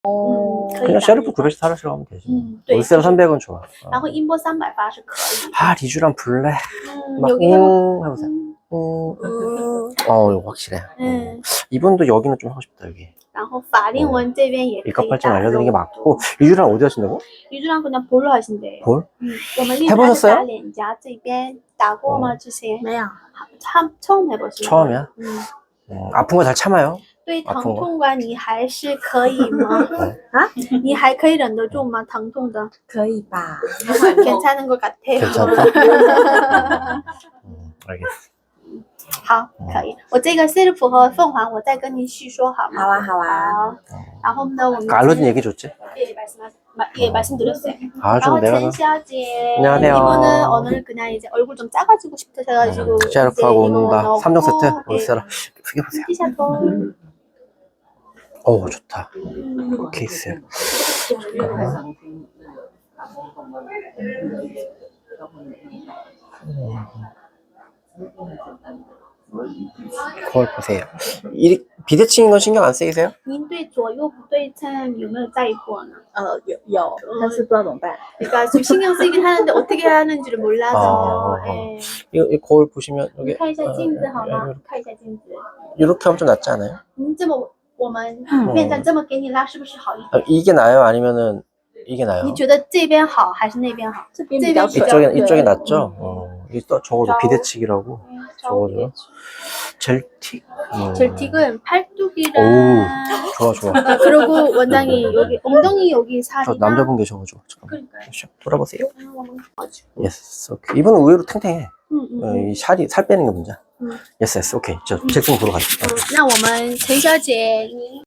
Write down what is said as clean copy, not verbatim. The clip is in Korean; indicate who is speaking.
Speaker 1: 그냥 셰르프 900 사라시라고 하면 되지.
Speaker 2: 对，
Speaker 1: 울세라 300은 좋아.
Speaker 2: 然后音波380是可以。
Speaker 1: 아, 리쥬랑 블랙. 막,
Speaker 2: 여기 해보.
Speaker 1: 해보세요. 이거 확실해. 이분도 여기는 좀 하고 싶다, 여기.
Speaker 2: 然后法令纹这边也可以
Speaker 1: 일값발전
Speaker 2: 打
Speaker 1: 알려드리는 게 맞고, 리쥬랑 어디 하신다고?
Speaker 2: 유주랑 그냥 볼로 하신대요.
Speaker 1: 볼?
Speaker 2: 我们丽莎是
Speaker 1: 해보셨어요?
Speaker 2: 打脸颊这边打过吗？之前
Speaker 3: 没有，
Speaker 2: 처음 해보시는
Speaker 1: 처음이야?
Speaker 2: 嗯，
Speaker 1: 아픈 거 잘 참아요?
Speaker 2: 对
Speaker 1: 아픈
Speaker 2: 疼
Speaker 1: 거
Speaker 2: 痛感你还是可以吗？啊，你还可以忍得住吗？疼痛的
Speaker 3: 可以吧？
Speaker 2: 괜찮은 것 같아요.
Speaker 1: 괜찮다? 알겠어.
Speaker 2: 好，可以。我这个 self 和凤凰，我再跟您细说好吗？
Speaker 3: 好啊，好啊。
Speaker 2: 好。然后呢，我们
Speaker 1: 그 알러진 얘기 줬지?
Speaker 2: 예 말씀드렸어요.
Speaker 1: 아,
Speaker 2: 然后
Speaker 1: 좀 내가.
Speaker 2: 陈小姐,
Speaker 1: 안녕하세요.
Speaker 2: 이분은 오늘 그냥 이제 얼굴 좀 작아지고 싶으셔가지고
Speaker 1: 셰르프하고 온다. 3종 세트.
Speaker 2: 예.
Speaker 1: 울세라. 크게 보세요.
Speaker 2: 티셔츠.
Speaker 1: 오, 좋다. 케이스. 거울 보세요. 비대칭인 건 신경 안 쓰이세요?
Speaker 2: 您对左右不对称有没有在意过呢？
Speaker 3: 有，但是不知道怎么办。
Speaker 2: 그러니까 좀 신경 쓰이긴 하는데 어떻게 해야 하는지를 몰라서.
Speaker 1: 아.
Speaker 2: 예.
Speaker 1: 이 거울 보시면 여기
Speaker 2: 看一下镜子好吗？看一下镜子。
Speaker 1: 이렇게 하면 좀 낫지 않아요?
Speaker 2: 您这么我们面站这么给你拉，是不是好一点？
Speaker 1: 이게 나아요? 아니면은 이게 나아요?
Speaker 2: 你觉得这边好还是那边好？
Speaker 3: 这边比较
Speaker 2: 这边
Speaker 3: 准。
Speaker 1: 이쪽이 낫죠? 이게 또 적어도 비대칭이라고. 적어도. 젤틱.
Speaker 2: 젤틱은 팔뚝이랑
Speaker 1: 좋아, 좋아.
Speaker 2: 그리고 원장이 여기 엉덩이 여기
Speaker 1: 저
Speaker 2: 살이랑
Speaker 1: 남자분 계셔가지고. 잠깐만.
Speaker 2: 그러니까요.
Speaker 1: 돌아보세요. 예스, 오케이. 이분은 의외로 탱탱해. 이 살 빼는 게 문제야. 예스, 예스, 오케이. 저 잭슨 보러 가시죠.
Speaker 2: 那我们陈小姐，您